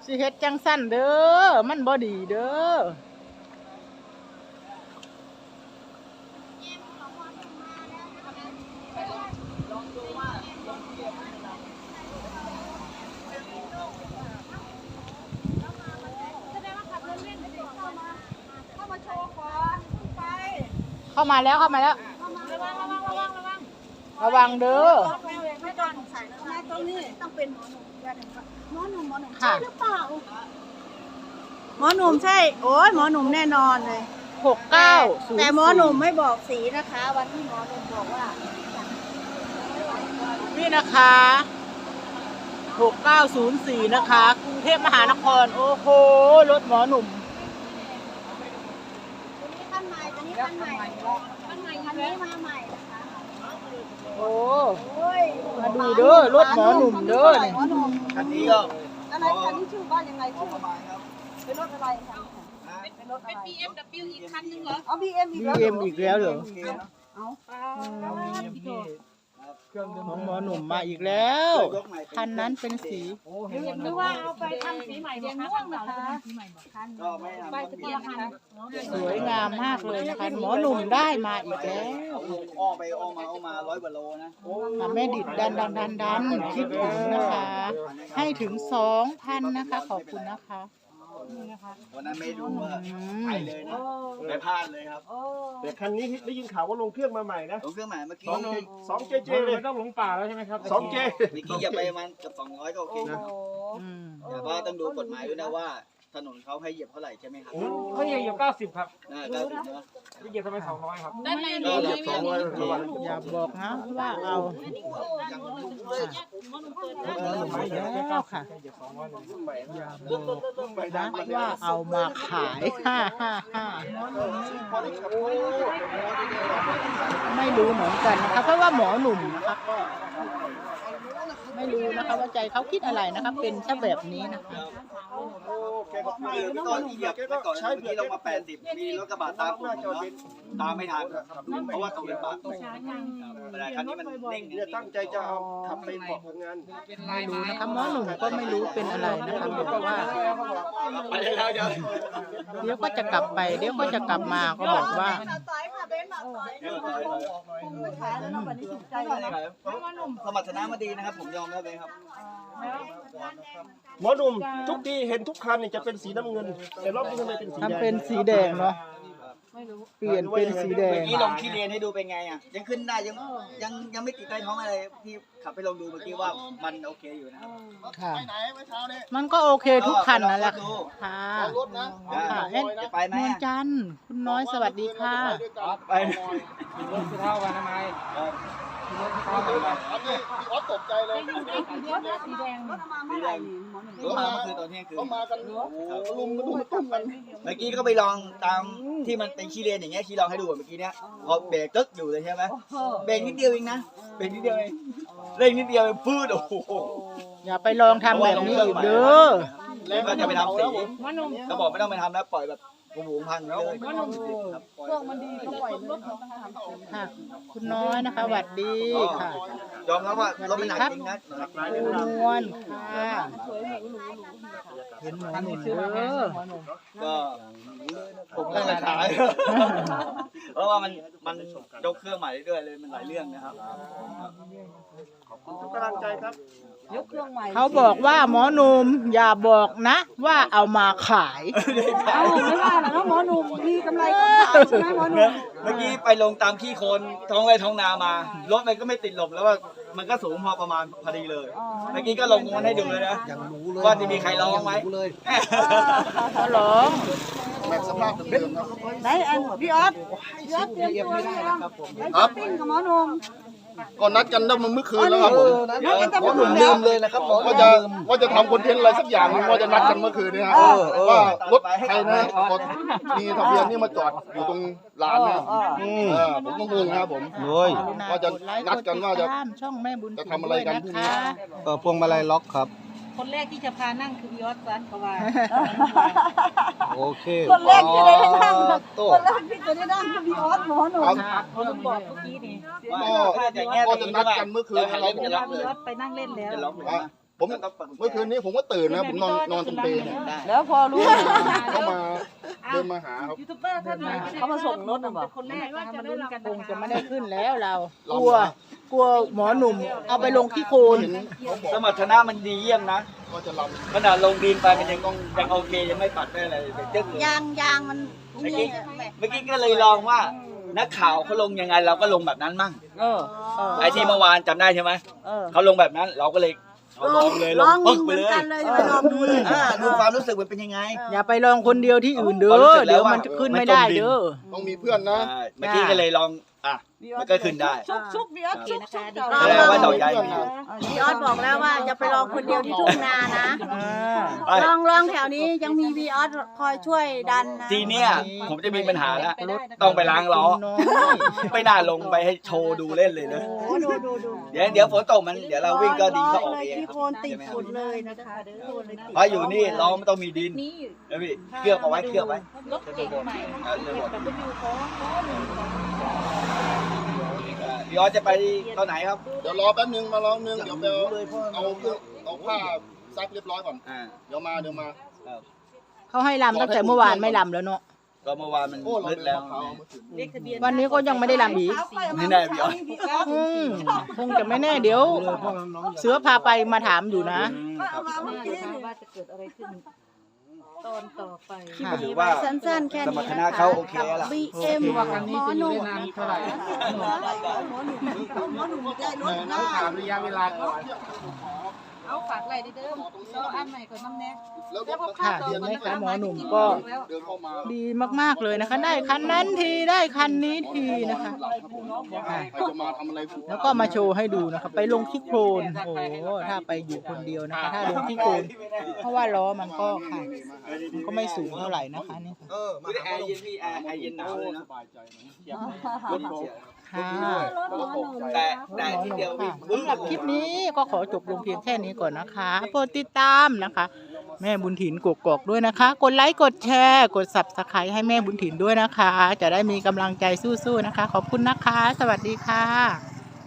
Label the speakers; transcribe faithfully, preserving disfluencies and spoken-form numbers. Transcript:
Speaker 1: สิเฮ็ดจังสั้นเด้อมันบ่ดีเด้อเข้ามาแล้วเข้ามาแล้วระวังเด้อ
Speaker 2: ไม่ต้องใส่แล้วนะตรงนี้ต้องเป็นหมอหนุ่มหมอหนุ่มหมอหนุ่มใช่หรือเปล่าหมอหนุ่มใช่โอ้ยหมอหนุ่มแน่นอนเลย
Speaker 1: หกเก้า
Speaker 2: แต่หมอหนุ่มไม่บอกสีนะคะวันที่หมอหนุ่มบอกว่า
Speaker 1: นี่นะคะหกเก้าศูนย์สี่นะคะกรุงเทพมหานครโอ้โหรถหมอหนุ่ม
Speaker 2: คันใหม่ตัวนี้คันใหม่คันใหม่คันนี้มาใหม่นะคะ
Speaker 1: โอ้มาดูเด้อรถหมอหนุ่มเด้อเนี่ย
Speaker 2: คันนี้ก็อะไรคันนี้ชื่อว่ายังไงชื่อเป็นรถอะไรคะเป็นรถอะไรเป็น บี เอ็ม ดับเบิลยู อีกคันนึงเหรออ๋อ บี เอ็ม อีกแล้ว
Speaker 1: บี เอ็ม อีกแล้วเหรอ
Speaker 2: เอา
Speaker 1: ของหมอหนุ่มมาอีกแล้วคันนั้นเป็นสี
Speaker 2: หรือว่าเอาไปทำสีใหม่แดงม่วงนะคะใบตะเกียบค่ะ
Speaker 1: สวยงามมากเลยนะคะหมอหนุ่มได้มาอีกแล้ว
Speaker 3: อ้อไปอ้อมาอ้อมาร้อยกว่าโลนะ
Speaker 1: แม่ดิดดันดันดันดันคิดถึงนะคะให้ถึงสองพันนะคะขอบคุณนะคะ
Speaker 3: วันนั้นไม่ดูว่าไปเลยนะไม่พลาดเลยครับ
Speaker 4: แต่คันนี้ได้ยินข่าวว่าลงเครื่องมาใหม่นะ
Speaker 3: ลงเครื่องใหม่เมื่อกี้
Speaker 4: สองเจเจเลยต้องหลงป่าแล้วใช่ไหมครับสองเจ
Speaker 3: เมื่อกี้อย่าไปมันกับสองร้อยก็โอเคนะแต่ว่าต้องดูกฎหมายด้วยนะว่าถนนเขาให้เหยียบเท่าไหร่ใช่ไหมครับ
Speaker 4: เขาเหยียบเก้าสิบครับ
Speaker 3: เก้าสิบนะ
Speaker 4: เหยียบทำไมสองร้อยครับ
Speaker 2: ด้านในมี
Speaker 4: สองร้อย
Speaker 1: อย่าบอกนะว่าเอาแล้วค่ะอย่าบอกนะว่าเอามาขายฮ่าฮ่าฮ่าไม่รู้เหมือนกันนะคะเพราะว่าหมอหนุ่มนะคะก็ไม่รู้นะคะว่าใจเขาคิดอะไรนะคะเป็นแค่แบบนี้นะคะ
Speaker 3: ก็เหยียบไปก่อนเมื่อกี้ลงมาแปดสิบมีรถกระบะตามผมตามไม่ทันเพราะว่าตรงเป็นบ้านแต่คันนี้มันนิ่ง
Speaker 4: เนี่ยตั้งใจจะเอาขับไปเกาะพังงาน
Speaker 1: ไม่รู้นะคะหมอหนุ่มก็ไม่รู้เป็นอะไรนะคะบอกว่า
Speaker 3: ไปแล้วเดี๋ยว
Speaker 1: เดี๋ยวก็จะกลับไปเดี๋ยวก็จะกลับมาก็บอกว่า
Speaker 3: สมรรถนะมาดีนะครับผมยอมแล้วเลยครับ
Speaker 4: หมอหนุ่มทุกทีเห็นทุกคันเนี่ยจะเป็นสีน้ำเงินแต่รอบนี้ทำไมเป็นสีแดง
Speaker 1: ทำเป็นสีแดงเนาะเปลี่ยนเป็นสีแดง
Speaker 3: เมื่อกี้ลงขี้เรียนให้ดูเป็นไงอ่ะยังขึ้นได้ยังยังยังไม่ติดใต้ท้องอะไรที่ขับไปลองดูเมื่อกี้ว่ามันโอเคอยู่นะ
Speaker 1: ค่ะมันก็โอเคทุกคันนั่นแหละค่ะค่ะเอ็นเมืองจันทร์คุณน้อยสวัสดีค่ะ
Speaker 3: ไป
Speaker 4: รถเท่ากันทำไมรถเท่ากันอันนี้พี่ออสตกใจเลย
Speaker 2: สีแดง
Speaker 3: สีแดงรถมาเมื่อคืนตอนเที่ยงคืน
Speaker 4: มากันลุมมาดูตุ้มกัน
Speaker 3: เมื่อกี้ก็ไปลองตามที่มันเป็นขี้เลนอย่างเงี้ยขี้ลองให้ดูเมื่อกี้เนี้ยพอเบรกตึ๊กอยู่เลยใช่ไหมเบรกนิดเดียวเองนะเบรกนิดเดียวเองเร่งนิดเดียวฟืดโอ้โห
Speaker 1: อย่าไปลองทำแบบนี้อีกเด้อ
Speaker 3: แล้วก็จะไปทำสีก็บอกไม่ต้องไปทำแล้วปล่อยแบบกูหมูพังเลย
Speaker 2: เครื่องมันดีก็ปล่อยรถ
Speaker 1: ค่ะคุณน้อยนะคะสวัสดีค่ะ
Speaker 3: ยอมรับว่ารถมันหนักจริงนะ
Speaker 1: นวลค่ะเห็นหมอหนุ่มเด้อ
Speaker 3: ก็ผมก็จะขายเพราะว่ามันมันยกเครื่องใหม่เรื่อยๆเลยมันหลายเรื่องนะครับ
Speaker 4: ขอบคุณทุกกำลังใจครับ
Speaker 2: ยกเครื่องใหม่
Speaker 1: เขาบอกว่าหมอหนุ่มอย่าบอกนะว่าเอามาขาย
Speaker 2: เอาไม่ว่าแล้วหมอหนุ่มมีกำไรก็ขายใช่ไหมหมอหนุ่ม
Speaker 3: เมื่อกี้ไปลงตามที่โคนท้องไร่ท้องนามารถมันก็ไม่ติดลมแล้วว่ามันก็สูงพอประมาณพอดีเลยเมื่อกี้ก็ลงมันให้ดูเลยนะว่าจะมีใครร้องไหม
Speaker 1: ก็ร้อง
Speaker 4: แบบสภาพเดิมครับ
Speaker 2: ได้อันพี่ออสพี่ออสเตรียมตัวเลยครับครับปิ้งกับหมอหนุ่ม
Speaker 4: ก็นัดกันได้มาเมื่อคืนแล้วครับผม
Speaker 2: หมอ
Speaker 4: หนุ่มลืมเลยนะครับว่าจะว่าจะทำคอนเทนต์อะไรสักอย่างว่าจะนัดกันเมื่อคืนนี้ฮะว่ารถใครนะมีทะเบียนนี่มาจอดอยู่ตรงลานเนี่ยผมต้องงงครับผมว่าจะนัดกันว่าจะจะทำอะไรกันพรุ่งนี้
Speaker 5: ก็พวงมาลัยล็อกครับ
Speaker 2: คนแรกที่จะพานั่งคือพี่ออสซันเพราะว่า
Speaker 5: โอเค
Speaker 2: คนแรกที่ได้นั่งคนแรกที่จะได้นั่งคือพี่ออสหมอหนุ่มคนบอกเมื่อกี้นี่
Speaker 4: ก็จะนัดกันเมื่อคืน
Speaker 2: เราจะพาพี่ออสไปนั่งเล่นแล้ว
Speaker 4: ผมเมื่อคืนนี้ผมก็ตื่นนะผมนอนนอนตรงเปรย์เนี่ย
Speaker 2: แล้วพอรู้
Speaker 4: เขามาเดินมาหาครับ
Speaker 2: เขามาส่งรถนะบอก
Speaker 1: คงจะไม่ได้ขึ้นแล้วเรา กลัว กลัวหมอหนุ่มเอาไปลงที่โคลน
Speaker 4: เห็นเขาบอก
Speaker 3: สมรรถนะมันดีเยี่ยมนะ
Speaker 4: ก็จะล
Speaker 3: ขนาดลงดินไปมันยังต้องยังโอเคยังไม่ปัดได้อะไรเลยเจ๊กเลย
Speaker 2: ยางยางมัน
Speaker 3: เมื่อกี้เมื่อกี้ก็เลยลองว่านักข่าวเขาลงยังไงเราก็ลงแบบนั้นมั่ง
Speaker 2: เออเออ
Speaker 3: ไอที่เมื่อวานจำได้ใช่ไหม
Speaker 2: เออ
Speaker 3: เขาลงแบบนั้นเราก็เลยเอาลองเลยล
Speaker 2: ล
Speaker 3: ง
Speaker 2: อง
Speaker 3: ปึ๊ก
Speaker 2: เห
Speaker 3: ไป
Speaker 2: มือน
Speaker 3: เลย
Speaker 2: กันเลยจะไปลองดูเลย
Speaker 3: อ่าดูความรู้สึกมันเป็นยังไง
Speaker 1: อย่าไปลองคนเดียวที่อื่นเด้
Speaker 3: ความรู้สึ
Speaker 1: อก
Speaker 3: แล้ว
Speaker 1: เดี๋ยว
Speaker 3: ว่า
Speaker 1: มันจะขึ้นไม่ได้เด้อ
Speaker 4: ำต้องมีเพื่อนนะ
Speaker 3: อ่าเมื่อกี้ก็เลยลองอ่ะมันก็ขึ้นได้
Speaker 2: ชุกชุกเดียวชุกชุก
Speaker 3: แสดงว่าดอกใหญ่มี
Speaker 2: พี่ออสบอกแล้วว่าจะไปลองคนเดียวที่ทุ่งนานะ
Speaker 3: ไป
Speaker 2: ลองลองแถวนี้ยังมีวีออสคอยช่วยดันนะ
Speaker 3: ทีเนี้ยผมจะมีปัญหาแล้วต้องไปล้างล้อไม่น่าลงไปให้โชว์ดูเล่นเลยนะ
Speaker 2: โอ้ดูดูดู
Speaker 3: เดี๋ยวเดี๋ยวฝนตกมันเดี๋ยวเราวิ่งก็ดินเขาออก
Speaker 2: เลย
Speaker 3: เอง
Speaker 2: ที่
Speaker 3: ค
Speaker 2: โครับนติด
Speaker 3: ใช่ไหม
Speaker 2: ฝุ่นเลยนะคะโคนเลยติด
Speaker 3: เพราะอยู่นี่ล้อมันต้องมีดินนะพี่เคลือบเอาไว้เคลือบไว้
Speaker 2: รถเก๋งใหม่
Speaker 3: เออเดี๋ยวหมด
Speaker 2: แต่ก็อยู่ของของหนึ่งของ
Speaker 3: พี่ออสจะไปตอนไหนครับ
Speaker 4: เดี๋ยวรอแป๊บนึงมารอแป๊บนึงเดี๋ยวไปเอาเอาเครื่องเอาผ้าซักเรียบร้อยก่อน
Speaker 3: อ่า
Speaker 4: เดี๋ยวมาเดี๋ยวมา
Speaker 3: ครับ
Speaker 1: เขาให้ลำตั้งแต่เมื่อวานไม่ลำแล้วเนาะ
Speaker 3: ก็เมื่อวานมัน
Speaker 4: โอ้เรา
Speaker 3: มืด
Speaker 4: เดิน
Speaker 3: แล้ว
Speaker 4: มะพร้าวเมื่อคืน
Speaker 2: เลขทะเบียน
Speaker 1: วันนี้ก็ยังไม่ได้ลำอีก
Speaker 3: ไม่แน่พี่ออส
Speaker 1: อืมคงจะไม่แน่เดี๋ยว เสือพาไปมาถามอยู่นะ
Speaker 3: อืมครับ
Speaker 2: ว่าจะเกิดอะไรขึ้นตอนต่อไป
Speaker 3: ก็ถือว่า
Speaker 2: สั้นๆแค่
Speaker 3: ส
Speaker 2: นี้
Speaker 3: มรรถนะเขาโอเคแล้วล่ะ
Speaker 2: บีเอ็มหมอหนุ่มหมอหนุ่มหมอหนุ่มได้รถนะ
Speaker 4: ถามระยะเวลาก่อน
Speaker 2: เอาฝากอะไรเดิมเราอันใหม่ก่อนน้ำแน่
Speaker 4: แล้วรถ
Speaker 1: ค่ะเห็นไหมคะหมอหนุ่มก็
Speaker 4: เดินเข้ามา
Speaker 1: ดีมากๆเลยนะคะ ได้คันนั้นทีได้คันนี้ทีนะคะ
Speaker 4: ใครจะมาทำอะไรถูก
Speaker 1: แล้วก็มาโชว์ให้ดูนะคะ ไปลงที่โคลนโอ้โหถ้าไปอยู่คนเดียวนะคะ ถ้าลงที่โคลนเพราะว่าล้อมันก็ค่ะมันก็ไม่สูงเท่าไหร่นะคะนี่ค่ะ
Speaker 3: เออไม่ได้แอร์เย็นพี่แอร์แอร์เย็นหนาวเลยนะ
Speaker 4: สบายใจนะ
Speaker 1: ค่ะ
Speaker 3: แต่แต่ที่เดียว
Speaker 1: ค่ะ
Speaker 3: วิ่ง
Speaker 1: สำหรับคลิปนี้ก็ขอจบลงเพียงแค่นี้ก่อนนะคะโปรดติดตามนะคะ แม่บุญถิ่นกกอกด้วยนะคะ กดไลค์กดแชร์กด ซับสไครบ์ ให้แม่บุญถิ่นด้วยนะคะ จะได้มีกำลังใจสู้ๆนะคะ ขอบคุณนะคะ สวัสดีค่ะ